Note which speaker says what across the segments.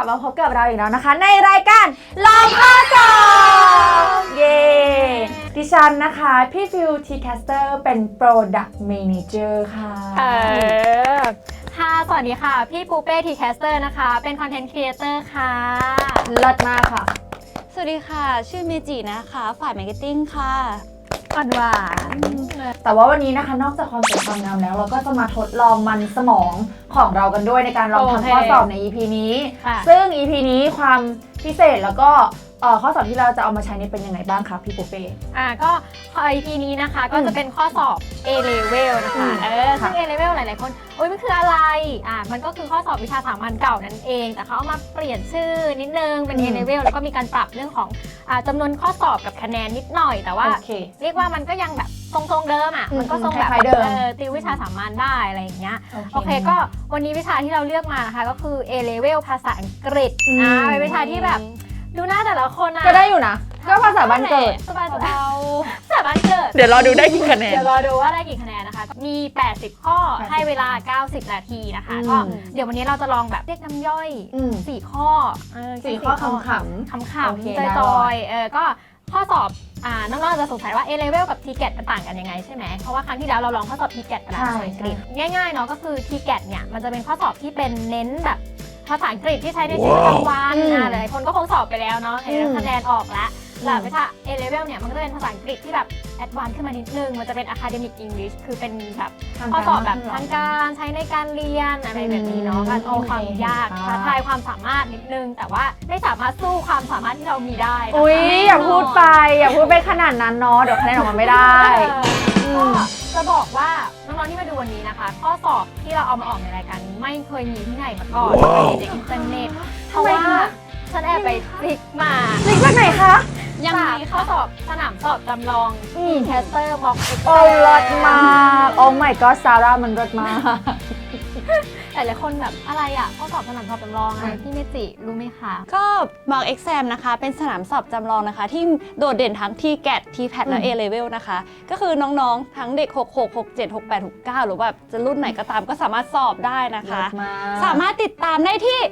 Speaker 1: ลับมาพบกับเราอีกแล้วนะคะในรายการลองข้อสอบเย้ดิฉันนะคะพี่ฟิวทีแคสเตอร์เป็น Product Manager ค่ะ
Speaker 2: ค่ะสวัสดีค่ะพี่ปูเป้ทีแคสเตอร์นะคะเป็นคอนเทนต์ครีเอเตอร์ค่ะ
Speaker 1: เลิศมากค่ะ
Speaker 3: สวัสดีค่ะชื่อเมจินะคะฝ่ายมาร์เก็ตติ้งค่ะ
Speaker 2: อ่อนหวาน
Speaker 1: แต่ว่าวันนี้นะคะนอกจากความสวยความงามแล้วเราก็จะมาทดลองมันสมองของเรากันด้วยในการลองทำข้อสอบใน EP นี้ซึ่ง EP นี้ความพิเศษแล้วก็ข้อสอบที่เราจะเอามาใช้นี่เป็นยังไงบ้างคะพี่ปูเป้
Speaker 2: ก็ EP นี้นะคะก็จะเป็นข้อสอบ A level นะคะซึ่ง A level หลายๆคนมันคืออะไรมันก็คือข้อสอบวิชาสามัญเก่านั่นเองแต่เขาเอามาเปลี่ยนชื่อนิดนึงเป็น A level แล้วก็มีการปรับเรื่องของจำนวนข้อสอบกับคะแนนนิดหน่อยแต่ว่าเรียกว่ามันก็ยังแบบทรงๆเดิมมันก็ทรงแบบติววิชาสามัญได้อะไรอย่างเงี้ยโอเคก็วันนี้วิชาที่เราเลือกมานะคะก็คือ A level ภาษาอังกฤษเป็นวิชาที่แบบดูหน้าแต่ละคน
Speaker 1: ก็ได้อยู่นะก็ภาษาบ้านเกิด
Speaker 2: สบายภาษาบ้านเกิด
Speaker 1: เดี๋ยวรอดูได้กี่คะแนน
Speaker 2: เดี๋ยวรอดูว่าได้กี่คะแนนนะคะมี80ข้อให้เวลา90นาทีนะคะก็เดี๋ยววันนี้เราจะลองแบบเรียกน้ำย่อย4ข้อ
Speaker 1: 4ข้อขำ
Speaker 2: ๆจอยๆก็ข้อสอบน้องๆจะสงสัยว่า A level กับ TGAT มันต่างกันยังไงใช่ไหมเพราะว่าครั้งที่แล้วเราลองข้อสอบ TGAT ไปแล้วภาษาอังกฤษง่ายๆเนาะก็คือ TGAT เนี่ยมันจะเป็นข้อสอบที่เป็นเน้นแบบภาษาอังกฤษที่ใช้ในชีวิตประจำวันหลายคนก็คงสอบไปแล้วเนาะเห็นคะแนนออกแล้วแต่วิชา A level เนี่ยมันก็จะเป็นภาษาอังกฤษที่แบบแอดวานซ์ขึ้นมานิดนึงมันจะเป็น academic English คือเป็นแบบข้อสอบแบบทางการใช้ในการเรียนอะไรแบบนี้เนาะก็มีความยากท้าทายความสามารถนิดนึงแต่ว่าไม่สามารถสู้ความสามารถที่เรามีได้
Speaker 1: อย่าพูดไปขนาดนั้นเนาะเดี๋ยวคะแนนออกมาไม่ได้
Speaker 2: ก็จะบอกว่าน้องๆที่มาดูวันนี้นะคะข้อสอบที่เราเอามาออกในรายการนี้ไม่เคยมีที่ไหนมาก่อนในอินเทอร์เน็ตเพราะว่าฉันแอบไปคลิกมา
Speaker 1: จากไหนคะ
Speaker 2: ยังมีข้อสอบสนามสอบจำลองแคสเตอร์ม็อกเอ็กซ์
Speaker 1: รถมาโอ้ my god ซาร่ามันรถมา
Speaker 2: แต่หลายคนแบบอะไรข้อสอบสนามสอบจำลองอะไรพี่เมจิรู้ไหมคะ
Speaker 3: ก็ Mock Exam นะคะเป็นสนามสอบจำลองนะคะที่โดดเด่นทั้ง TGAT TPAT และ A Level นะคะก็คือน้องๆทั้งเด็ก66 67 68 69หรือแบบจะรุ่นไหนก็ตามก็สามารถสอบได้นะคะสามารถติดตามได้ที่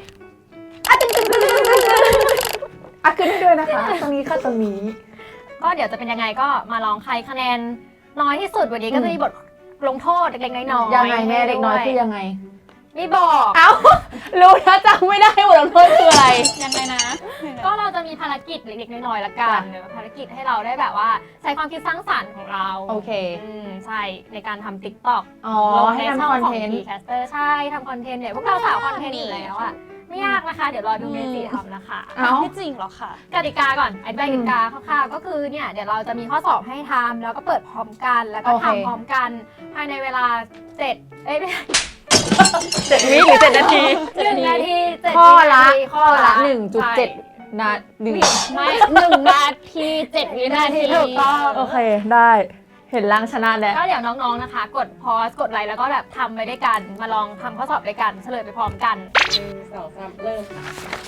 Speaker 1: ขึ้นให้ด้วยนะคะตรงนี้ค่ะตรงนี้
Speaker 2: ก็เดี๋ยวจะเป็นยังไงก็มาลองใครคะแนนน้อยที่สุดวันนี้ก็จะมีบทลงโทษเล็กๆน้อย
Speaker 1: ๆยังไงแม่เล็กน้อยคือยังไง
Speaker 2: ไม่บอก
Speaker 1: รู้นะจำไม่ได้บทลงโทษคืออะไร
Speaker 2: ยังไงนะก็เราจะมีภารกิจเล็กๆน้อยๆละกันภารกิจให้เราได้แบบว่าใช้ความคิดสร้างสรรค์ของเรา
Speaker 1: โอเค
Speaker 2: ใช่ในการทำ TikTok
Speaker 1: ลงให้ทำคอนเทนต์
Speaker 2: แคสเตอร์ใช่ทำคอนเทนต์เนี่ยพวกเราสาวคอนเทนต์อยู่แล้วไม่ยากนะคะเดี๋ยวรอดูเมจิทำนะคะ
Speaker 3: ไม่จริงหรอคะ
Speaker 2: กติกาก่อนอธิบายกติกาคร่าวๆก็คือเนี่ยเดี๋ยวเราจะมีข้อสอบให้ทำแล้วก็เปิดพร้อมกันแล้วก็ทำพร้อมกันภายในเวลา7
Speaker 1: วิหรือ7 นาที
Speaker 2: 1 นาที
Speaker 1: ข้อละ 1.7 นาที
Speaker 3: ไม่1 นาที 7 วินาที
Speaker 2: ถูกต้อง
Speaker 1: โอเคได้เห็นล้างชนะแล้ว
Speaker 2: ก็เดี๋ยวน้องๆนะคะกดพอสกดไลค์แล้วก็แบบทำไปด้วยกันมาลองทำข้อสอบด้วยกันเฉลยไปพร้อมกัน
Speaker 3: 1 2 3เริ่มค่ะ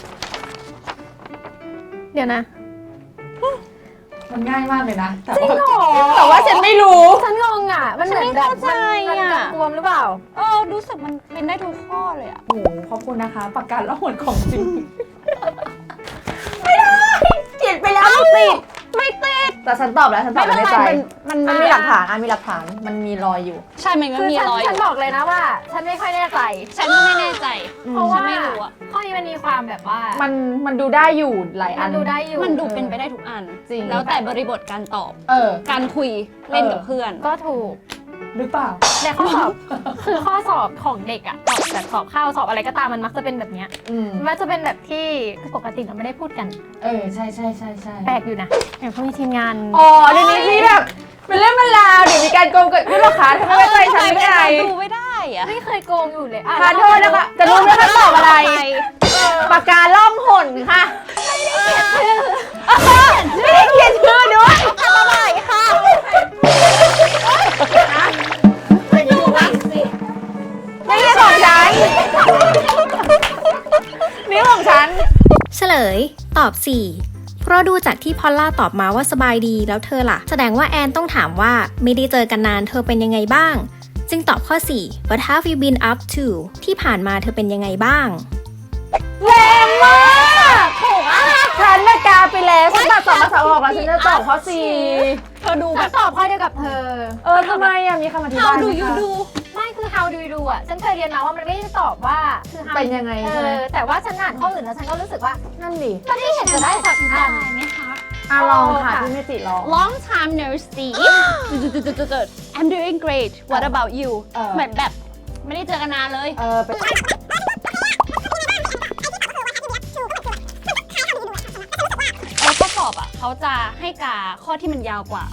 Speaker 2: เดี๋ยวนะ
Speaker 1: มันง่ายมากเลยนะ
Speaker 2: จริงเหรอ
Speaker 1: แต่ว่าฉันไม่รู้
Speaker 2: ฉันงงมันเหมือนแบบมันรวมหรือเปล่า
Speaker 3: รู้สึกมันเป็นได้ทุกข้อเลย
Speaker 1: โอ้ขอบคุณนะคะประกาศละหวนของจริงไม่ได้เขียนไปแล้วไม่ติดแต่ฉันตอบแล้วฉันตอบในใจมันมีหลักฐานมีหลักฐานมันมีรอยอยู่
Speaker 3: ใช่มันก็มีรอย
Speaker 2: ฉันบอกเลยนะว่าฉันไม่ค่อยแน่ใจ
Speaker 3: ฉันก็ไม่แน่ใจ
Speaker 2: เพราะว่าไม่รู้ข้อนี้มันมีความแบบว่า
Speaker 1: มันดูได้อยู่หลายอัน
Speaker 2: มันดูได้อยู่
Speaker 3: มันดูเป็นไปได้ทุกอัน
Speaker 1: จริง
Speaker 3: แล้วแต่บริบทการตอบการคุยเล่นกับเพื่อน
Speaker 2: ก็ถูก
Speaker 1: หรือเปล่า
Speaker 2: แต่ข้อสอบคือข้อสอบของเด็กสอบแบบสอบเข้าสอบอะไรก็ตามมันมักจะเป็นแบบเนี้ยมันจะเป็นแบบที่ปกติเราไม่ได้พูดกัน
Speaker 1: ใช่
Speaker 2: แปลกอยู่นะเดี๋ยวเขามีทีมงาน
Speaker 1: เดี๋ยวนี้ที่แบบเป็นเรื่องเป็นราวเดี๋ยวมีการโกงเกิดขึ้นหรอคะทำไมใจฉันไม่ได้
Speaker 3: ดูไม่ได้
Speaker 2: ไม่เคยโกงอยู่เลย
Speaker 1: ขอโทษนะคะจะรู้ไหมว่าตอบอะไรปากกาล่องหนค่ะไม่ได้เขียนชื่อด้วย
Speaker 3: ทำอะไรค่ะ
Speaker 1: นี่ของฉันนี่ของฉัน
Speaker 4: เฉลยตอบ 4 เพราะดูจากที่พอลล่าตอบมาว่าสบายดีแล้วเธอล่ะแสดงว่าแอนต้องถามว่าไม่ได้เจอกันนานเธอเป็นยังไงบ้างจึงตอบข้อ 4 What have you been up to ที่ผ่านมาเธอเป็นยังไงบ้าง
Speaker 1: แรงมากถูกอ่ะฉันน่ะกาไปแล้วฉันตัด2 ภาษาออกแล้วฉันจะตอบข้อ 4
Speaker 3: เธอดูแบ
Speaker 2: ฉั
Speaker 3: บ
Speaker 2: นตอบข้อเดียวกับเธอ
Speaker 1: ทำไมอ่ะมีคำอธิบาย
Speaker 3: How
Speaker 1: ไหม
Speaker 3: do you
Speaker 1: คะ
Speaker 3: do
Speaker 2: ไม่คือ how do you do อ่ะ ฉันเคยเรียนมาว่ามันไม่ได้ตอบว่าคือ how
Speaker 1: เป็นยังไงใช่ไหม
Speaker 2: แต่ว่าฉันอ่านข้ออื่นแล้วฉันก็รู้สึกว่า
Speaker 1: นั่นดิ
Speaker 2: มันไม่เห็นจะได้สักอัน
Speaker 3: ไหมคะ
Speaker 1: ลองค่ะพี่เมจิลอง
Speaker 3: Long time no see I'm doing great What about you เหมือนแบบไม่ได้เจอกันนานเลย
Speaker 1: เป็น
Speaker 3: ข้อสอบอ่ะเขาจะให้กาข้อที่มันยาวกว่า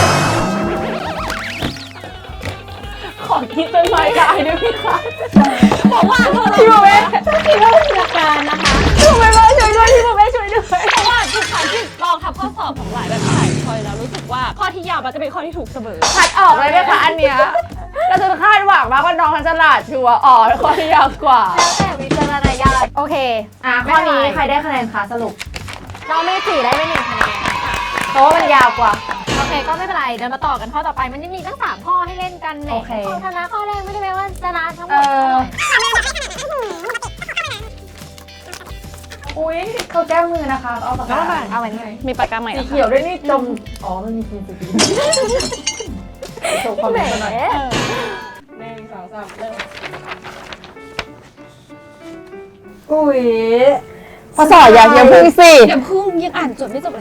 Speaker 1: ขอคิดเป็นรายการด้วยพี่คะ
Speaker 3: บอกว่าเธอ
Speaker 1: พี่โมเบ้
Speaker 3: คิดว่าเป็นหลักการนะคะ
Speaker 1: พี่โมเบ้ช่วยด้วยพี่โมเบ้ช่วยด้วย
Speaker 3: เพราะว่าทุกครั้งที่ลองทำข้อสอบของหลายแบบหลายชอยแล้วรู้สึกว่าข้อที่ยาวมันจะเป็นข้อที่ถูกเสมอ
Speaker 1: คัดออกเลยไหมคะอันเนี้ยเราจะคาดหวังมากว่าน้องมันฉลาดชัวร์ข้อที่ยาวกว่า
Speaker 2: แล้วแต่วิจารณญาณโอเค
Speaker 1: ข้อนี้ใครได้คะแนนคะสรุป
Speaker 2: น้องเมจิได้ไป1 คะแนนค่ะ
Speaker 1: เพราะว่ามันยาวกว่า
Speaker 2: โอเคก็ไม่เป็นไรเดี๋ยวมาต่อกันข้อต่อไปมันยังมีตั้ง3 ข้อให้เล่นกันแหม
Speaker 1: โอเค
Speaker 2: คนชนะข้อแรกไม่ได้แปลว่าชนะทั้งหมด
Speaker 1: อุ้ยเขาแก้มือนะคะเอาปากกา
Speaker 2: เอาไว้เลย
Speaker 3: มีปากกาใหม่
Speaker 1: สี
Speaker 3: แล้ว
Speaker 1: เขียวด้วยนี่จมมันมีกินสีโชว์ความ
Speaker 2: แหม
Speaker 1: เป็นหน่อย อุ้ยพอสอบอย่าพึ่งสิ
Speaker 3: อย่าพึ่งยังอ่านจบไม่จบเลย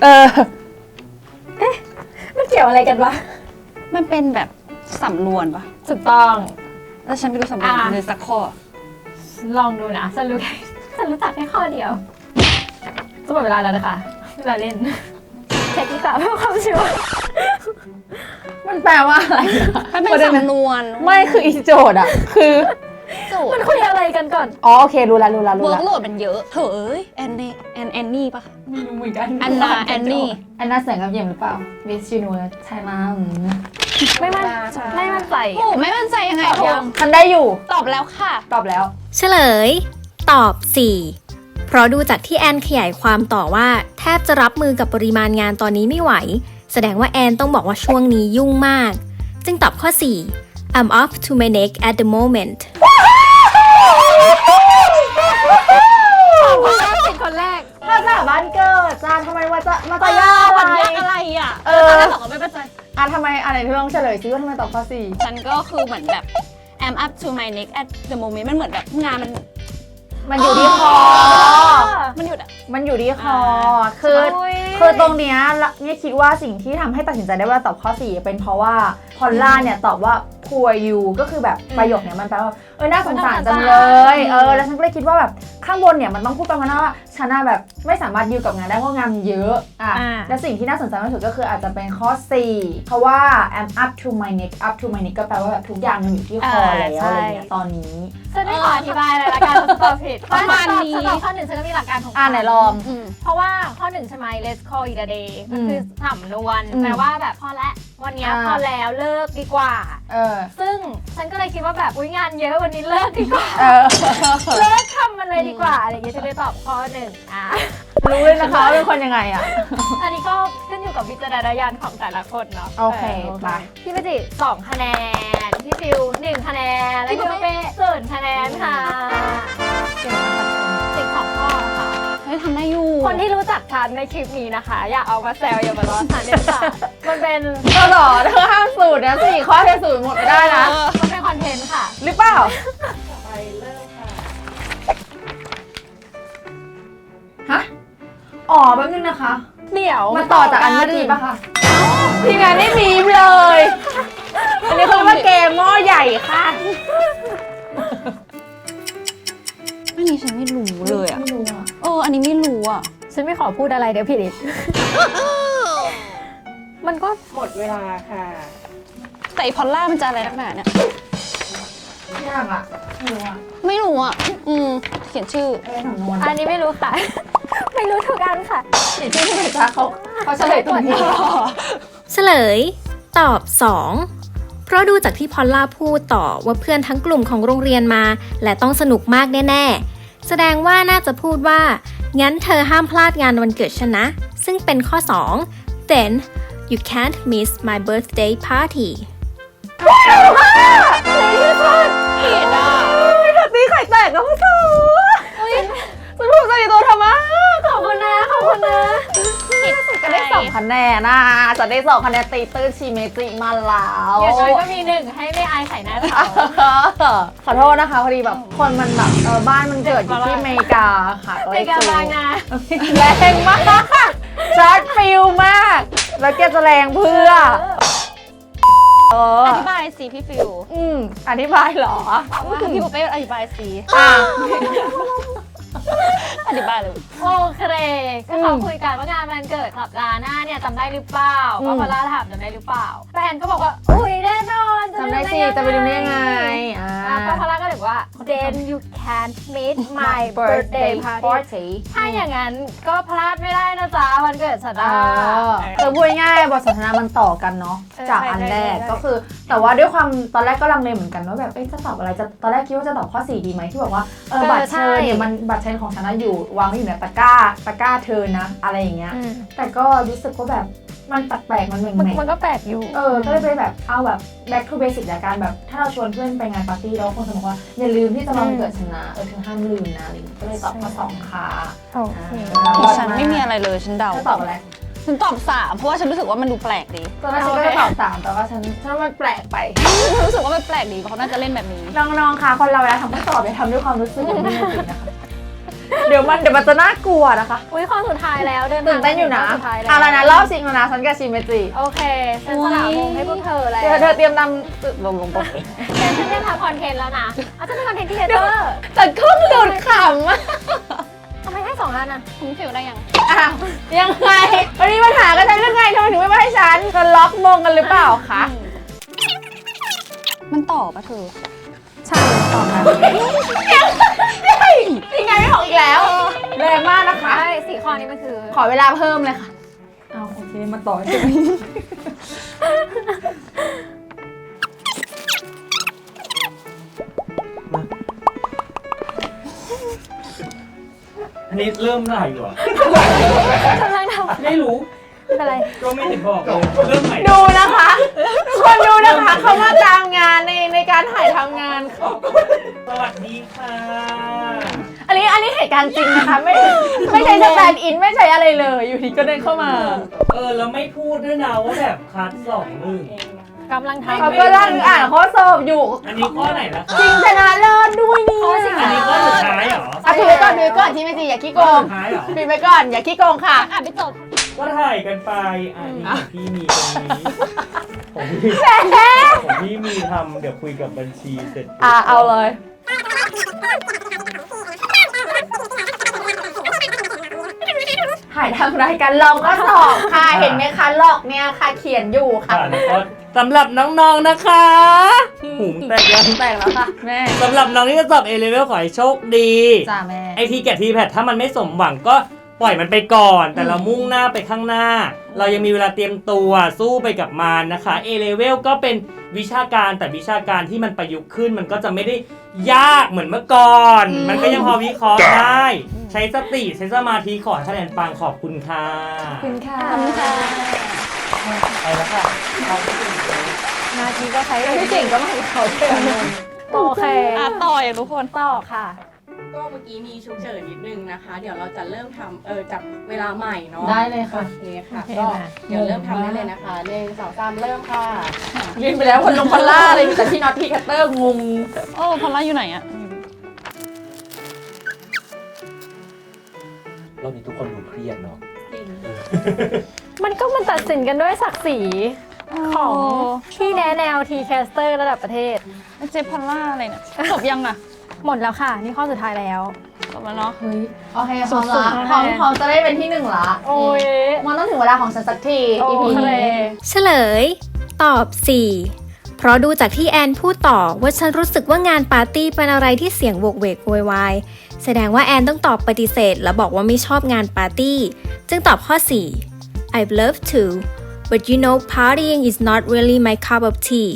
Speaker 2: มันเกี่ยวอะไรกันวะ
Speaker 3: มันเป็นแบบสำนวนปะ
Speaker 2: ถูกต้อง
Speaker 3: แล้วฉันไม่รู้สำนวนเลยสักข้อ
Speaker 2: ลองดูนะฉันรู้จักแค่ข้อเดียวจะหมดเวลาแล้วนะคะเวลาเล่นเช็คดีกว่าเพื่อความชัวร์
Speaker 1: มันแปลว่าอะไร
Speaker 3: มันเป็นสำนวน
Speaker 1: ไม่คืออีโจทย์อ่ะ คือ
Speaker 3: โจท
Speaker 2: มัน
Speaker 3: ย์
Speaker 2: คุยอะไรกันก่อน
Speaker 1: โอเครู้ละ
Speaker 3: เวิร์กโหลดมันเยอะเถอะเอ้ยแอนนี่ปะ
Speaker 1: ไม่รู้เหมือนกัน
Speaker 3: แอนนี่
Speaker 1: อันน่าเสียงกับเยี่ยมหรือเปล่า Miss Universe ใช่มั้ง
Speaker 2: ไม่มั่นใจ
Speaker 3: โอ้ไม่มั่นใจยังไง
Speaker 1: ฉันได้อยู่
Speaker 3: ตอบแล้วค่ะ
Speaker 1: ตอบแล้ว
Speaker 4: เฉลย ตอบ 4 เพราะดูจากที่แอนขยายความต่อว่าแทบจะรับมือกับปริมาณงานตอนนี้ไม่ไหว แสดงว่าแอนต้องบอกว่าช่วงนี้ยุ่งมาก จึงตอบข้อ 4 I'm up to my neck at the moment
Speaker 2: คนแรก
Speaker 1: ภาษาบ้านเกิดจานทำไมว่าจะมาตายาก
Speaker 3: วัน
Speaker 1: อะไร
Speaker 3: ยากอะไรอ่ะ
Speaker 1: ตอนแร
Speaker 3: แล้
Speaker 1: ก
Speaker 3: วบอกว่าไม่มั่นใจ
Speaker 1: ทำไมอะไรที่ต้องเฉลยซิว่าทำไมตอบข้อ 4
Speaker 3: ฉันก็คือเหมือนแบบ I'm up to my neck at the moment มันเหมือนแบบงานมัน
Speaker 1: มันอยู่ที่คอ
Speaker 3: มันหยุดอ่ะ
Speaker 1: มันอยู่ที่คอ คือตรงเนี้ยเนี่ยคิดว่าสิ่งที่ทำให้ตัดสินใจได้ว่าตอบข้อ 4 เป็นเพราะว่าพอลล่าเนี่ยตอบว่า poor you ก็คือแบบประโยคเนี้ยมันแปลว่าน่าสงสารจังเลยแล้วฉันก็เลยคิดว่าแบบข้างบนเนี่ยมันต้องพูดประมาณว่าฉันน่ะแบบไม่สามารถดิวกับงานได้เพราะงานเยอะและสิ่งที่น่าสนใจมากที่สุดก็คืออาจจะเป็นข้อ 4 เพราะว่า I'm up to my neck up to my neck ก็แปลว่าแบบทุกอย่างมันอยู่ที่คอแล้วอะไรเงี้ยตอนนี้
Speaker 2: ฉันไม่ขออธิบายเลยละกันฉันตอบผิด
Speaker 3: ประมาณนี้
Speaker 2: ฉัตอบข้อ 1ฉันก็มีหลักการของ
Speaker 1: ไหนลอง
Speaker 2: เพราะว่าข้อ 1 ใช่ไหม let's call it a day ก็คือสำนวน
Speaker 1: อืม
Speaker 2: แปลว่าแบบพอแล้ววันเนี้ยพอแล้วเลิกดีกว่า ซึ่งฉันก็เลยคิดว่าแบบอุ๊ยงานเยอะวันนี้เลิกดีกว่า เลิกทำมันเลยดีกว่าอะไรอย่างเงี้ยจะได้ตอบข้อ 1
Speaker 1: รู้เลยนะคะว่าเป็นคนยังไงอ่ะ
Speaker 2: อันนี้ก็ขึ้นอยู่กับวิจารณญาณของแต่ละคนเนาะ
Speaker 1: โอเคไป
Speaker 2: พี่เมจิ2 คะแนน พี่ฟิว1 คะแนน และพี่เป้0 คะแนนค่ะติด2 ข้อค่ะ
Speaker 3: เฮ้ยทำได้อยู่
Speaker 2: คนที่รู้จักฉันในคลิปนี้นะคะ อย่าเอามาแซวอย่ามาล้อฉันเด็ดขาดมันเป็น
Speaker 1: ก็หรอเธอห้ามสูตรนะ4 ข้อเธอสูตรหมดไม่ได้นะ
Speaker 2: มันเป็นคอนเทนต์ค่ะ
Speaker 1: หรือเปล่าฮะแป๊บนึงนะคะ
Speaker 2: เดี๋ยว
Speaker 1: มาต่อจากอันเมื่อกี้ปะคะทีมงานไม่มีเลย อันนี้เขาเรียกว่าเกมหม้อใหญ่ค่ะ
Speaker 3: อันนี้ฉันไม่รู้เลยอ่ะ
Speaker 1: ไม่รู้อ่ะ
Speaker 3: อันนี้ไม่รู้อ่ะ
Speaker 2: ฉันไม่ขอพูดอะไรเดี๋ยวผิดอีก มันก็
Speaker 5: หมดเวลาค่ะ
Speaker 3: แต่อีพอลล่ามันจะอะไรนักหนาเนี่ย
Speaker 1: ยากอ่ะไม่รู้อ่ะ
Speaker 3: ไม่รู้อ่ะ เขียนชื่อ
Speaker 1: เป็นสำนวน
Speaker 2: อันนี้ไม่รู้ค่ะ ไม่รู้ทุกอันค่ะ
Speaker 1: เขียนชื่อที่ไหนจ๊ะเขาเฉลยตัวนี้
Speaker 4: เฉลย ตอบ 2 เพราะดูจากที่พอลล่าพูดต่อว่าเพื่อนทั้งกลุ่มของโรงเรียนมา และต้องสนุกมากแน่ๆ แสดงว่าน่าจะพูดว่า งั้นเธอห้ามพลาดงานวันเกิดฉันนะ ซึ่งเป็นข้อ 2 then you can't miss my birthday party
Speaker 3: ผิดอ่ะ
Speaker 1: ตีไข่แตกแล้วพ่อสาวฉันพูดภาษคะแนนนะจะได้2 คะแนนตีตื้นชิเมจิมาแล้ว
Speaker 2: อย่างน้อยก็มี1ให้ไม่อายใส่หน้าเขา
Speaker 1: ขอโทษนะคะพอดีแบบคนมันแบบบ้านมันเกิดอยู่ที่อเมริกาค่ะ
Speaker 2: ในการบางนา
Speaker 1: แรงมากช็อตฟิลมาก แล้วแกจะแรงเพื่อ
Speaker 3: อธิบายสิพี่ฟิว
Speaker 1: อธิบายเหรอ
Speaker 3: พี่ปุ๊เป้อธิบายสิ อธิบายเลย
Speaker 2: โอเคก็เขาคุยกันว่างานมันเกิดสัปดาห์หน้าเนี่ยจำได้หรือเปล่าก็พอล่าถามจำได้หรือเปล่าแฟนก็บอกว่าอุ้ยแน่นอน
Speaker 1: จำได้สิจะไปดูได้ยังไง
Speaker 2: ก็พอล่าก็เลยบอกว่า then you can't meet my birthday party ถ้าอย่างนั้นก็พลาดไม่ได้นะจ๊ะวันเกิดฉัน
Speaker 1: คือพูดง่ายบทสนทนามันต่อกันเนาะจากอันแรกก็คือแต่ว่าด้วยความตอนแรกก็ลังเลเหมือนกันว่าแบบจะตอบอะไรจะตอนแรกคิดว่าจะตอบข้อ4ดีไหมที่บอกว่าบัตรเชิญเนี่ยมันบัตรเชิญของฉันอยู่วางไว้อยู่ในตะกร้าเธอนะอะไรอย่างเงี้ยแต่ก็รู้สึกว่าแบบมันแปลกๆมันเหม่งๆ
Speaker 2: มันก็แปลกอยู่
Speaker 1: ก็เลยไปแบบเอาแบบ back to basic จากการแบบถ้าเราชวนเพื่อนไปงานปาร์ตี้แล้วคนจะบอกว่าอย่าลืมที่จะมาวันเกิดฉันนะเธอห้ามลืมนะอะไรก็เลยตอบข้อ2ค่ะ
Speaker 3: ฉันไม่มีอะไรเลยฉันเดา
Speaker 1: ตอบอะไร
Speaker 3: ฉันตอบ3เพราะว่าฉันรู้สึกว่ามันดูแปลกดี
Speaker 1: ตอนแรกฉันก็จะตอบ3แต่ว่าฉันมันแปลกไป
Speaker 3: รู้สึกว่ามันแปลกดีเพราะเขาน่าจะเล่นแบบนี้
Speaker 1: น้องๆค่ะคนเราเวลาทำข้อสอบอย่าทำด้วยความรู้สึกไม่จริงนะคะเดี๋ยวมันจะน่ากลัวนะคะ
Speaker 2: อุ้ยข้อสุดท้ายแล้ว
Speaker 1: ตื่นเต้นอยู่นะอะไรนะรอบชิงแล้วนะฉันกับชิเมจิ
Speaker 2: โอเคฉันสละวงให้พวกเธอแล้ว
Speaker 1: เธอเตรียมนำลงปก
Speaker 2: ฉันเตรียมทำคอนเทนต์แล้วนะจะเป็นคอนเทนต์ที่เตอร์
Speaker 1: แต่ก็หลุดข
Speaker 2: ทำไมให้2 ล้านอ่ะ
Speaker 3: คุณฟิวได้ยัง
Speaker 1: ยังไงวันนี้ปัญหากันฉันเรื่องไงทำไมถึงไม่มาให้ฉันเธอล็อกมงกันหรือเปล่าคะ
Speaker 3: มันต่อปะเธอ
Speaker 1: ใช่ต่อมายังไงไม่ออกอีกแล้วแรงมากนะคะ
Speaker 2: 4 ข้อนี้มันคือ
Speaker 1: ขอเวลาเพิ่มเลยค่ะโอเคมาต่อใช่ไหม
Speaker 5: อันนี้เริ่มเมื่อไหร่อยู่อ่ะ
Speaker 2: กำลังทำ
Speaker 5: ไม่รู้
Speaker 2: อะไร
Speaker 5: ก็ไม่เห็นบอกเลยเริ่มใหม่
Speaker 1: ดูนะคะทุกคนดูนะคะเขามาตามงานในการถ่ายทำงานเขา
Speaker 5: สวัสดีค่ะ
Speaker 1: อันนี้เหตุการณ์จริงนะคะไม่ใช่สแตนด์อินไม่ใช่อะไรเลยอยู่ดีก็เดินเข้ามา
Speaker 5: แล้วไม่พูดด้วยนะว่าแบบคัด2-1
Speaker 2: กำลังทำ
Speaker 1: เขาก็ร่างอ่านข้อสอบอยู่
Speaker 5: อันนี้ข้อไหนล่ะคะ
Speaker 1: จริงชนะเลิศด้วยนี่
Speaker 5: อันนี้ข้อสุดท้ายเหรอ
Speaker 1: ดูก่อนที่ไม่จริงอย่าขี้โกงปิดไปก่อนอย่าขี้โกงค่ะ
Speaker 2: ไปจบ
Speaker 5: ก็ถ่ายกันไปนี่พี่มีตรงนี้ผมพี่มีทำเดี๋ยวคุยกับบัญชีเสร็จ
Speaker 1: เอาเลยถ่ายทำรายการลองก็สอบค่ะเห็นไหมคะลอกเนี่ยค่ะเขียนอยู่ค่ะ
Speaker 5: สำหรับน้องๆนะคะหูแตก
Speaker 1: แล้วค่ะแม่
Speaker 5: สำหรับน้องที่จะสอบ A level ขอให้โชคดี
Speaker 1: จ้าแม่
Speaker 5: ไอทีแกะทีแพดถ้ามันไม่สมหวังก็ปล่อยมันไปก่อนแต่เรามุ่งหน้าไปข้างหน้าเรายังมีเวลาเตรียมตัวสู้ไปกับมันนะคะ A level ก็เป็นวิชาการแต่วิชาการที่มันประยุกต์ขึ้นมันก็จะไม่ได้ยากเหมือนเมื่อก่อนมันก็ยังพอวิเคราะห์ได้ใช้สติใช้สมาธิขอคะแนนปังขอบคุณค่ะ
Speaker 1: ขอบคุณค่ะ
Speaker 5: ไปแล้วค่ะ
Speaker 2: นาทีก็ใช้
Speaker 1: ไม่เก่งก็ไม่เขาเก่ง
Speaker 2: โอเค
Speaker 3: ต่ออย่างทุกคน
Speaker 2: ต่อค่ะ
Speaker 6: ก็เมื่อกี้มีฉุกเฉินนิดนึงนะคะเดี๋ยวเราจะเริ่มทำจับเวลาใหม่เนาะ
Speaker 1: ได้เลยค่ะ
Speaker 6: โอเคค่ะก็เดี๋ยวเริ่มทำได้เลยนะคะ1 2 3เริ่มค่ะ
Speaker 1: ยืนไปแล้วคนลงพอลล่าเลยแต่ที่น็อตที่คัตเตอร์งง
Speaker 3: พอลล่าอยู่ไหนอะ
Speaker 5: รอบนี้ทุกคนดูเครียดเนาะ
Speaker 2: มันตัดสินกันด้วยศักดิ์ศรีของที่แนวทีแคสเตอร์ระดับประเทศ
Speaker 3: เจพอลล่าอะไรเนี่ยจบยังอะ
Speaker 2: หมดแล้วค่ะนี่ข้อสุดท้ายแล้ว
Speaker 3: จบแล้วเนาะ
Speaker 1: โอเคพร้อมละพร้อมจะได้เป็นที่1ละ
Speaker 2: โอ้ย
Speaker 1: มันต้องถึงเวลาของฉันสักที EP นี้
Speaker 4: เฉลยตอบ4เพราะดูจากที่แอนพูดต่อว่าฉันรู้สึกว่างานปาร์ตี้เป็นอะไรที่เสียงโวกเวกโวยวายแสดงว่าแอนต้องตอบปฏิเสธและบอกว่าไม่ชอบงานปาร์ตี้จึงตอบข้อ4 I'd love to but you know partying is not really my cup of tea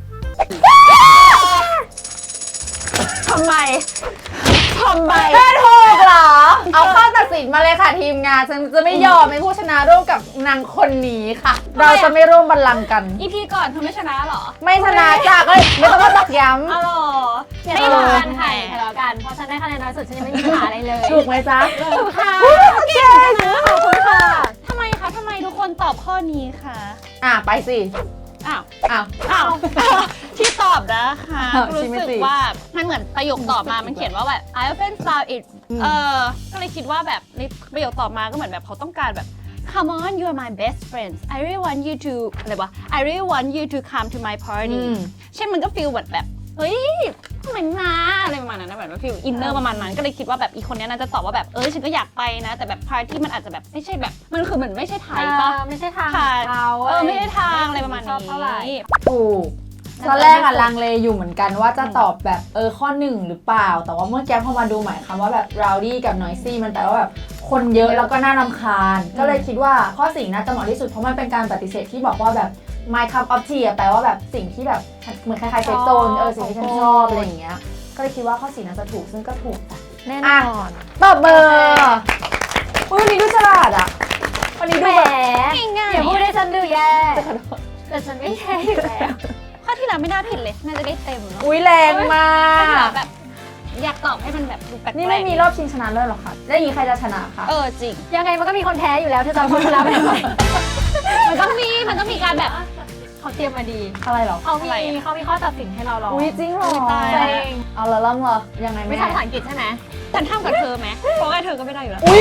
Speaker 1: ทำไมแค่ถูกเหรอเอาข้อตัดสินมาเลยค่ะทีมงานฉันจะไม่ยอมเป็นผู้ชนะร่วมกับนางคนนี้ค่ะเราจะไม่ร่วมบัลลังก์กัน
Speaker 3: EP ก่อนเธอไม่ชนะหรอ
Speaker 1: ไม่ชนะจ้ะก็ไม่ต้องมาตักย้ำ
Speaker 3: อ๋อ
Speaker 2: ไม่ทะเลาะกันค่ะทะเลาะกันเพราะฉันได้คะแนนน้อยสุดฉันยังไม่มีปัญหาอะไรเลย
Speaker 1: ถูกไหมจ๊ะ
Speaker 2: ถูกค่ะ
Speaker 1: เก่ง
Speaker 2: ขอบคุณค่ะ
Speaker 3: ทำไมทุกคนำตอบข้อนี้ค่ะ
Speaker 1: ไปสิ
Speaker 3: อ้าว
Speaker 1: อ้าว
Speaker 3: อ้าว ที่ตอบนะคะ
Speaker 1: อ้าว
Speaker 3: รู้
Speaker 1: ชิมิ
Speaker 3: สึก
Speaker 1: จิ
Speaker 3: ว่ามันเหมือนประโยคตอบมามันเขียนว่าแบบ I often found it ก็เลยคิดว่าแบบในประโยคตอบมาก็เหมือนแบบเขาต้องการแบบ Come on you are my best friends I really want you to อะไรวะ I really want you to come to my party ใช่มันก็ฟีลแบบเฮ้ยทำไมมาอะไรประมาณนั้นนะแบบฟีลอินเนอร์ประมาณนั้นก็เลยคิดว่าแบบอีคนนี้น่าจะตอบว่าแบบฉันก็อยากไปนะแต่แบบพาร์ตี้มันอาจจะแบบไม่ใช่แบบมันคือเหมือนไม่ใช่ไทยป่ะ
Speaker 2: ไม่ใช่ทาง
Speaker 3: ค่ะ
Speaker 2: เขา
Speaker 3: ไม่ได้ทางอะไรประมาณ
Speaker 2: ชอบเท่าไหร่
Speaker 3: นี้
Speaker 1: ถูกตอนแรกลังเลอยู่เหมือนกันว่าจะตอบแบบข้อหนึ่งหรือเปล่า แต่ว่าเมื่อกี้พอมาดูหมายคำว่าแบบ rowdy กับ noisy มันแปลว่าแบบคนเยอะแล้วก็น่ารำคาญ ก็เลยคิดว่าข้อ4น่าจะเหมาะที่สุดเพราะมันเป็นการปฏิเสธที่บอกว่าแบบ my cup of tea แปลว่าแบบสิ่งที่แบบเหมือนคล้ายๆเซฟโซนสิ่งที่ฉันชอบอะไรอย่างเงี้ยก็เลยคิดว่าข้อ4น่าจะถูกซึ่งก็ถูกจ้ะ
Speaker 2: แน่นอน
Speaker 1: ตอบเบอร์วันนี้ดูฉลาดอ่ะวันนี้
Speaker 2: แห
Speaker 1: ดู
Speaker 2: ม
Speaker 1: แบบ
Speaker 3: ง่าย
Speaker 2: อย่าพูดให้ฉันดูแย่แต่ฉันไม่แย่อยู่แล้ว
Speaker 3: ข้อที่แล้วไม่น่าผิดเลยน่าจะได้เต็มเนาะ
Speaker 1: อุ้ยแรงมา
Speaker 3: ข้อที่แล้
Speaker 1: ก
Speaker 3: วแบบอยากตอบให้มันแบบดูแปลกๆ
Speaker 1: นี่ไม่มีรอบชิงชนะเลิศหรอคะแล้วอย่างนี้ใครจะชนะคะ
Speaker 3: จริง
Speaker 2: ยังไงมันก็มีคนแพ้อยู่แล้วเธอจะพูดแล้วไม่ไหว
Speaker 3: มันต้องมีการแบบ
Speaker 2: เขาเตรียมมาดี
Speaker 1: อะไรหรอ
Speaker 2: เขามีข้อตัดสินให้เราลอง
Speaker 1: อุ้ยจริงเหรอ
Speaker 3: ตาย
Speaker 2: จ
Speaker 3: แล้ว
Speaker 2: ริง
Speaker 1: เอาละล่ำเหรอยังไง
Speaker 2: วิ
Speaker 1: ไม่
Speaker 2: ชาภาษาอังกฤษใช่ไหม
Speaker 3: ฉันทำกับเธอไหมเพราะว่าเธอก็ไม่ได้อยู่แล้ว
Speaker 1: อุ้ย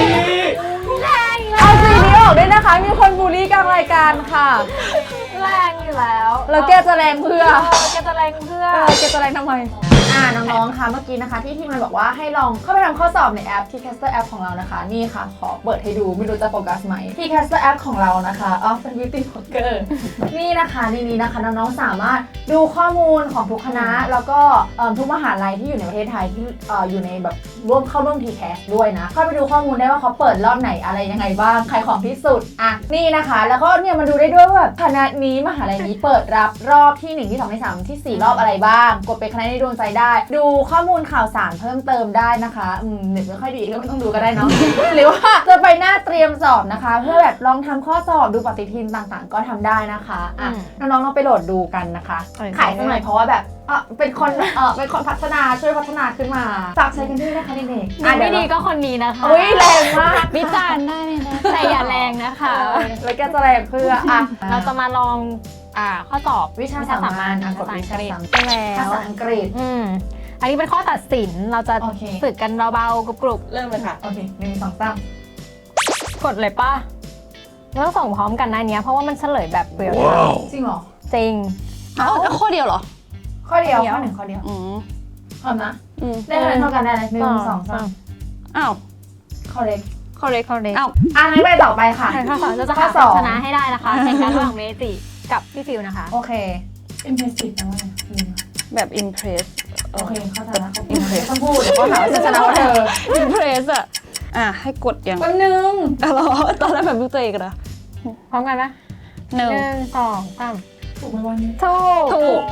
Speaker 1: เอาสีนี้ออกด้วยนะคะ มีคนบูลลี่กลางรายการค่ะ
Speaker 2: แรงอยู่แล้ว
Speaker 1: แล้วแกจะแรงเพื่อ
Speaker 2: แกจะแรงเพื่อ
Speaker 1: แกจะแรงทำไมน้องๆ ค่ะเมื่อกี้นะคะที่ทีมมันบอกว่าให้ลองเข้าไปทำข้อสอบในแอป Tcaster App ของเรานะคะนี่ค่ะขอเปิดให้ดูไม่รู้จะโฟกัสไหม Tcaster App ของเรานะคะเป็น Beauty Blogger นี่นะคะในนี้นะคะน้องๆสามารถดูข้อมูลของทุกคณะแล้วก็ทุกมหาลัยที่อยู่ในประเทศไทยที่อยู่ในแบบเข้าร่วม Tcast ด้วยนะเข้าไปดูข้อมูลได้ว่าเขาเปิดรอบไหนอะไรยังไงบ้างใครของที่สุดนี่นะคะแล้วก็เนี่ยมาดูได้ด้วยว่าแบบคณะนี้มหาลัยนี้เปิดรับรอบที่1ที่2ที่3ที่4รอบอะไรบ้างกดเป็นคณะในดวงใจได้ดูข้อมูลข่าวสารเพิ่มเติมได้นะคะเน็ตไม่ค่อยดีก็ไม่ต้องดูก็ได้เนาะ หรือว่าจะไปหน้าเตรียมสอบนะคะเพื่อแบบลองทำข้อสอบดูปฏิทินต่างๆ ก็ทำได้นะคะน้องๆลองไปโหลดดูกันนะคะขายสักหน่อยเพราะว่าแบบเป็นคนพัฒนาช่วยพัฒนาขึ้นมาฝากใช้กันด้วยนะคะเด็กๆ
Speaker 2: ไม่ดีก็คนนี้นะคะ
Speaker 1: อุ้ยแรงมาก
Speaker 3: วิจารณ์ได้เลยนะ
Speaker 2: แต่อย่าแรงนะคะ
Speaker 1: แล้วแกจะแรงเพื่อ
Speaker 2: เราจะมาลองข้อสอบ
Speaker 1: วิชาสามัญกดวิชาสามัญ
Speaker 2: ไปแล้
Speaker 1: ภาว ษาอังกฤษ
Speaker 2: อันนี้เป็นข้อตัดสินเราจะ
Speaker 1: โอเค
Speaker 2: ฝึกกันเบาๆกรุบ
Speaker 6: เริ่มเลยค่ะ
Speaker 1: โอเค1 2 3
Speaker 2: ๆกดเลยป่ะเราต้องส่งพร้อมกันนะเนี้ยเพราะว่ามันเฉลยแบบเรียลไทม์
Speaker 1: จริงเหรอ
Speaker 2: จริง
Speaker 3: แล้วข้อเดียวเหรอ
Speaker 1: ข้อเดียวข้อ1ข้อเดียวพร้อมนะได้คะแนนเท่ากันได้เลย1 2 3
Speaker 3: อ้าว
Speaker 1: ข้อเล็ก
Speaker 2: ข้อเล็กข้อเล็ก
Speaker 3: อ้าว
Speaker 1: งั้นไปต่อไปค่ะ
Speaker 2: ข้อสองเราจะ
Speaker 1: ข้
Speaker 2: หา
Speaker 1: อสอง
Speaker 2: ชนะให้ได้นะคะแข่งกันระหว่างเมจิกับพี่ฟิวนะคะ
Speaker 1: โอเค impressive นะว่า
Speaker 3: แบบ impress
Speaker 1: โอเคเข้าใจแล้วไม่ต้องพูดเดี๋ยวก็หาว่าฉันชนะว่าเธอ
Speaker 3: impress ให้กดยัง
Speaker 1: แป๊บนึง
Speaker 3: เหรอตอนแรกแบบรู้ตัวเองนะ
Speaker 2: พร้อมกันนะ
Speaker 3: หนึ่ง
Speaker 2: 1 2 3
Speaker 1: ถูกไหมวันนี้
Speaker 2: ถูก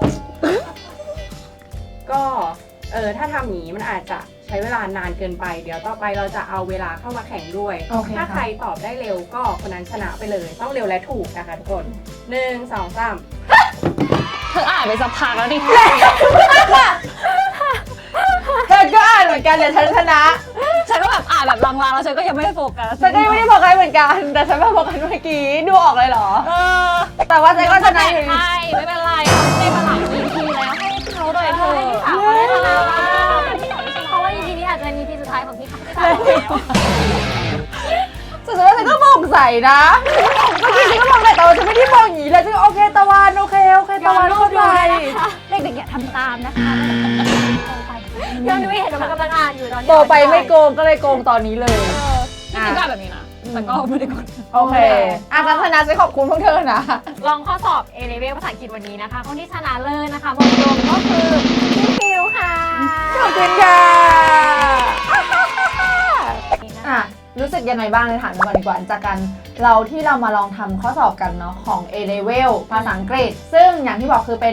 Speaker 6: ก็ถ้าทำอย่างนี้มันอาจจะใช้เวลานานเกินไป เดี๋ยวต่อไปเราจะเอาเวลาเข้ามาแข่งด้วย
Speaker 1: โอเค
Speaker 6: ถ้าใครตอบได้เร็วก็คนนั้นชนะไปเลย ต้องเร็วและถูกนะคะทุกคน 1 2 3
Speaker 3: เธออ่านไปสักพักแล้วดิ
Speaker 1: เธอก็อ่านเหมือนกันแต่ฉันชนะ
Speaker 3: ฉันก็แบบอ่านแบบลางๆแล้วฉันก็ยังไม่ได้โฟกัส
Speaker 1: ฉันก็ยังไม่ได้บอกใครเหมือนกัน แต่ฉันมาบอกกันเมื่อกี้ดูออกเลยเหรรอ แต่ว่าฉันก็ชนะอยู่ดี
Speaker 3: ใช่ไม่เป็นไรได้มาหลาย EP แล้วให้เขาด้วยเธอ
Speaker 2: พี่สาวเขาได้ชนะบ้างเพราะว่า EP นี้อาจจะเป็น EP สุดท้ายของพี่สาวแล้ว
Speaker 1: แต่ฉันว่าฉันก็มองใส่นะเมื่อกี้ฉันก็มองใส่แต่ว่าฉันไม่ได้มองอย่างนี้เลยฉันก็โอเคตะวันโอเคตะวันเข้าใจ
Speaker 3: เด็กๆอย่าทำตามนะคะ
Speaker 2: ย้อนดูเห็นว่ามันกำลังอ่านอยู่ตอนนี้
Speaker 1: โตไปไม่โกงก็เลยโกงตอนนี้เลย
Speaker 3: จริงๆก็แบบนี้นะแต่ก็ไม่ได้กด
Speaker 1: โอเคงั้นชนะฉันขอบคุณพวกเธอนะ
Speaker 2: ลองข้อสอบ A level ภาษาอังกฤษวันนี้นะคะคนที่ชนะเลิศนะคะบอกตรงก็คือพี่ฟิวค่ะ
Speaker 1: ขอบคุณค่ะรู้สึกยังไงบ้างเลยถามกันก่อนดีกว่าจากการที่เรามาลองทำข้อสอบกันเนาะของ A level ภาษาอังกฤษซึ่งอย่างที่บอกคือเป็น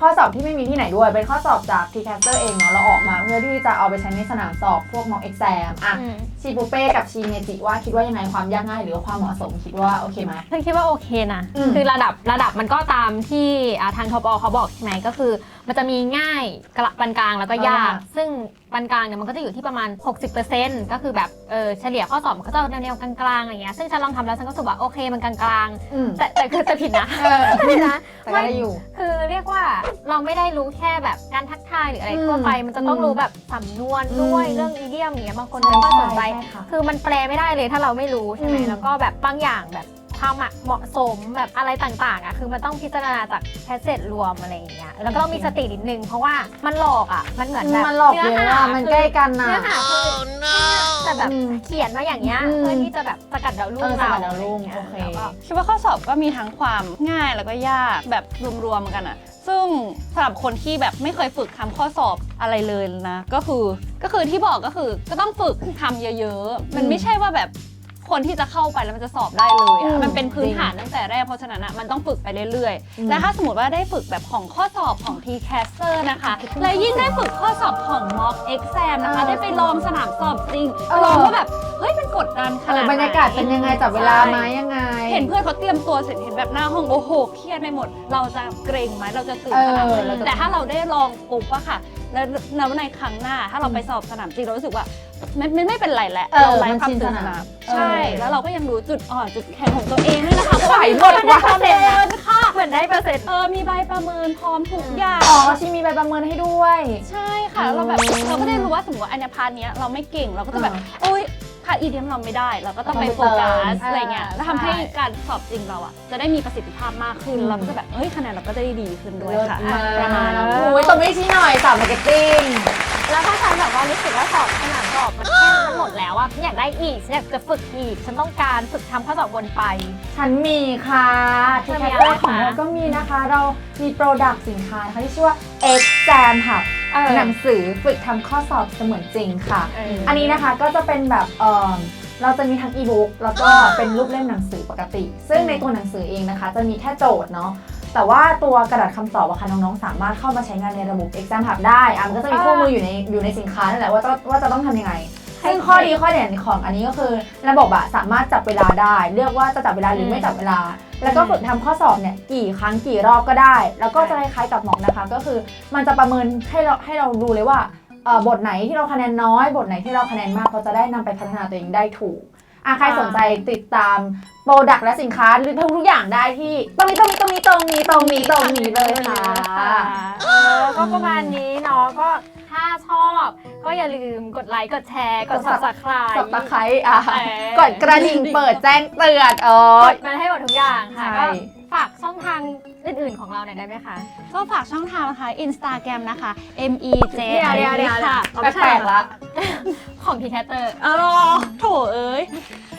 Speaker 1: ข้อสอบที่ไม่มีที่ไหนด้วยเป็นข้อสอบจาก TCaster เองเนาะเราออกมาเพื่อที่จะเอาไปใช้ในสนามสอบพวก mock exam อ่ะชีปูเป้กับชีเมจิว่าคิดว่ายังไงความยากง่ายหรือว่าความเหมาะสมคิดว่าโอเคไหม
Speaker 2: ฉันคิดว่าโอเคนะ คือระดับมันก็ตามที่ทางทบเขาบอกใช่ไหมก็คือมันจะมีง่ายปานกลางแล้วก็ยาก ซึ่งปานกลางเนี่ยมันก็จะอยู่ที่ประมาณ 60%ก็คือแบบเฉลี่ยข้อสอบมันก็จะแนวกลางๆอะไรเงี้ยซึ่งฉันลองทำแล้วฉันก็รู้สึกว่าโอเคมันกลางๆแต่คือจะผิดนะผิดนะ
Speaker 1: แต่ก็ได้อยู่
Speaker 2: คือเรียกว่าเราไม่ได้รู้แค่แบบการทักทายหรืออะไรทั่วไปมันจะต้องรู้แบบสำนวนด้วยเรื่องอีเดียมอย่างเงี้ยบางคนไม่ค่อยสนใจคือมันแปลไม่ได้เลยถ้าเราไม่รู้ใช่ไหมแล้วก็แบบบางอย่างแบบความเหมาะสมแบบอะไรต่างๆอ่ะคือมันต้องพิจารณาจากแพทเซจรวมอะไรอย่างเงี้ยแล้วก็ต้องมีสตินิดนึงเพราะว่ามันหลอกอ่ะมันเหมือนแบบ
Speaker 1: มันหลอกเยอะอะมันใกล้กันนะ
Speaker 2: เนื้อหาคือแต่แบบเขียนมาอย่างเงี้ยเพื่อที่จะแบบสกัดดาวรุ่ง
Speaker 1: สกัดดาวรุ่ง
Speaker 2: โอเค
Speaker 3: คิดว่าข้อสอบก็มีทั้งความง่ายแล้วก็ยากแบบรวมๆกันอะซึ่งสำหรับคนที่แบบไม่เคยฝึกทำข้อสอบอะไรเลยนะก็คือที่บอกก็คือก็ต้องฝึกทำเยอะๆมันไม่ใช่ว่าแบบคนที่จะเข้าไปแล้วมันจะสอบได้เลยอะมันเป็นพื้นฐานตั้งแต่แรกเพราะฉะนั้นอะมันต้องฝึกไปเรื่อยๆและถ้าสมมติว่าได้ฝึกแบบของข้อสอบของ TCaster นะคะและยิ่งได้ฝึกข้อสอบของ mock exam นะคะได้ไปลองสนามสอบจริงลองว่าแบบเฮ้ยมันกดดันขนาดไหน
Speaker 1: บรรยากาศเป็นยังไงจับเวลาไหมยังไง
Speaker 3: เห็นเพื่อนเขาเตรียมตัวเสร็จเห็นแบบหน้าห้องโอ้โหเครียดไปหมดเราจะเกรงไหมเราจะตื่นขนาดไหนแต่ถ้าเราได้ลองปุ๊บอะค่ะแล้วในครั้งหน้าถ้าเราไปสอบสนามจริงเรารู้สึสึกว่าไม่เป็นไรแหละเราไร้ความตื่นสนามใช่แล้วเราก็ยังรู้จุดอ่อนจุดแข็งของตัวเองด้วยนะคะ
Speaker 1: ไหวหมด
Speaker 3: มัน
Speaker 1: ว่ะ
Speaker 3: ได้เปอร์เซ็นต์ค่ะ
Speaker 2: เหมือนได้เปอร์เซ็นต์
Speaker 3: มีใบประเมินพร้อมทุกอย่าง
Speaker 1: อ๋อชีมีใบประเมินให้ด้วย
Speaker 3: ใช่ค่ะเราแบบเราก็ได้รู้ว่าสมมติว่าอันเนี้ยพาร์ทเนี้ยเราไม่เก่งเราก็จะแบบโอ๊ยพาร์ทอีเดียมเราไม่ได้เราก็ต้องไปโฟกัสอะไรเงี้ยแล้วทำให้การสอบจริงเราอะจะได้มีประสิทธิภาพมากขึ้นเราก็จะแบบเฮ้ยคะแนนเราก็จะได้ดีขึ้นด้วยค่ะประมาณนี้
Speaker 1: โอ้ยตรงนี้ชี้หน่อยสาวมาร์เก็ตติ้ง
Speaker 2: แล้วถ้าฉันแบบว่ารู้สึกว่าสอบสนามสอบมันแค่มันหมดแล้วอะฉันอยากได้อีกฉันอยากจะฝึกอีกฉันต้องการฝึกทำข้อสอบวนไป
Speaker 1: ฉันมีค่ะ
Speaker 2: เธอ
Speaker 1: ที่
Speaker 2: มี
Speaker 1: แค
Speaker 2: อะไร
Speaker 1: สเตอร์ของ
Speaker 2: คะ
Speaker 1: เราก็มีนะคะ เรามีโปรดักต์สินค้านะคะที่ชื่อว่า Exam Hub หนังสือฝึกทำข้อสอบเสมือนจริงค่ะ อันนี้นะคะก็จะเป็นแบบเราจะมีทั้งอีบุ๊กแล้วก็เป็นรูปเล่มหนังสือปกติ ซึ่งในตัวหนังสือเองนะคะจะมีแค่โจทย์เนาะแต่ว่าตัวกระดาษคำตอบอะค่ะน้องๆสามารถเข้ามาใช้งานในระบบ Exam Hub ได้มันก็จะมีคู่มืออยู่ในสินค้านั่นแหละว่าจะต้องทำยังไง ซึ่งข้อดีข้อเด่นของอันนี้ก็คือระบบอะสามารถจับเวลาได้เลือกว่าจะจับเวลาหรือไม่จับเวลา แล้วก็ฝึกทำข้อสอบเนี่ยกี่ครั้งกี่รอบก็ได้ แล้วก็จะคล้ายๆกับหมอกนะคะก็คือมันจะประเมินให้เราดูเลยว่าบทไหนที่เราคะแนนน้อยบทไหนที่เราคะแนนมากเราจะได้นำไปพัฒนาตัวเองได้ถูกใครสนใจติดตามโปรดักต์และสินค้าหรือทุกอย่างได้ที่ตรงนี้เลยค่ะ
Speaker 2: ก็ประมาณนี้เนาะก็ถ้าชอบก็อย่าลืมกดไลค์กดแชร์กด subscribe
Speaker 1: สับตะไคร้กดกระดิ่งเปิดแจ้งเตือน
Speaker 2: กดมันให้หมดทุกอย่างค่ะ
Speaker 1: ใช่
Speaker 2: ก็ฝากช่องทางอื่นๆของเราหน่อยได้ไหมคะ
Speaker 3: ก็ฝากช่องทางนะคะ Instagram นะคะ MEJ
Speaker 2: เดี๋ยว
Speaker 3: ค่ะ
Speaker 1: แปลกๆละ
Speaker 2: ของ TCaster
Speaker 3: โถเอ้ย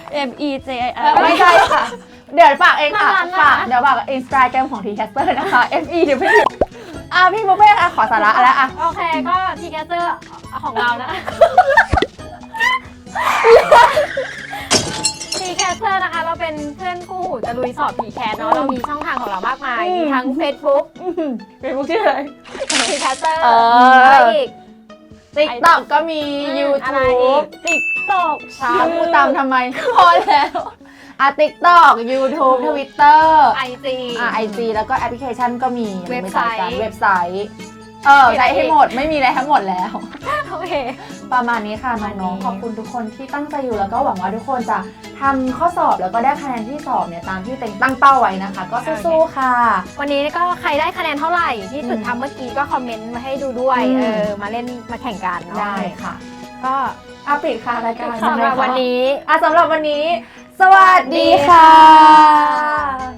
Speaker 3: MEJ
Speaker 1: ไม่ใช่ค่ะ เดี๋ยวฝากเองค่ะ
Speaker 2: มัน
Speaker 1: ฝากเดี๋ยวฝาก Instagram ของ TCaster นะคะ FE เดี๋ยวพี่พี่บุฟเฟ่ค่ะขอสาระแล้วอ่ะ
Speaker 2: โอเคก็ TCaster ของเรานะ TCaster นะคะเราเป็นเพื่อนคู่หูจะลุยสอบ TCAT เนาะเรามีช่องทางของเรามากมาย มีทั้ง Facebook
Speaker 1: ชื่ออะไร
Speaker 2: TCaster
Speaker 1: อะไร
Speaker 2: อีก
Speaker 1: TikTok ก็มี
Speaker 2: อะไรอี
Speaker 1: YouTube
Speaker 2: ก TikTok
Speaker 1: พูดตามทำไมพอแล้วTikTok YouTube Twitter
Speaker 2: IG
Speaker 1: IG แล้วก็แอปพลิเคชันก็มี
Speaker 2: เว็บไซต์
Speaker 1: เว็บไซต์ใช้ให้หมดไม่มีอะไรทั้งหมดแล้ว
Speaker 2: โอเค
Speaker 1: ประมาณนี้ค่ะ
Speaker 2: ประมาณนี้
Speaker 1: น้องๆขอบคุณทุกคนที่ตั้งใจอยู่แล้วก็หวังว่าทุกคนจะทำข้อสอบแล้วก็ได้คะแนนที่สอบเนี่ยตามที่เต็งตั้งเป้าไว้นะคะ ก็สู้ๆค่ะ
Speaker 2: วันนี้ก็ใครได้คะแนนเท่าไหร่ที่ฝึกทำเมื่อกี้ก็คอมเมนต์มาให้ดูด้วย มาเล่นมาแข่งกันเนาะ
Speaker 1: ได้ค่ะ
Speaker 2: ก็
Speaker 1: ปิดค่ะรายการ
Speaker 2: สำหรับวันนี้
Speaker 1: สำหรับวันนี้ สวัสดีค่ะ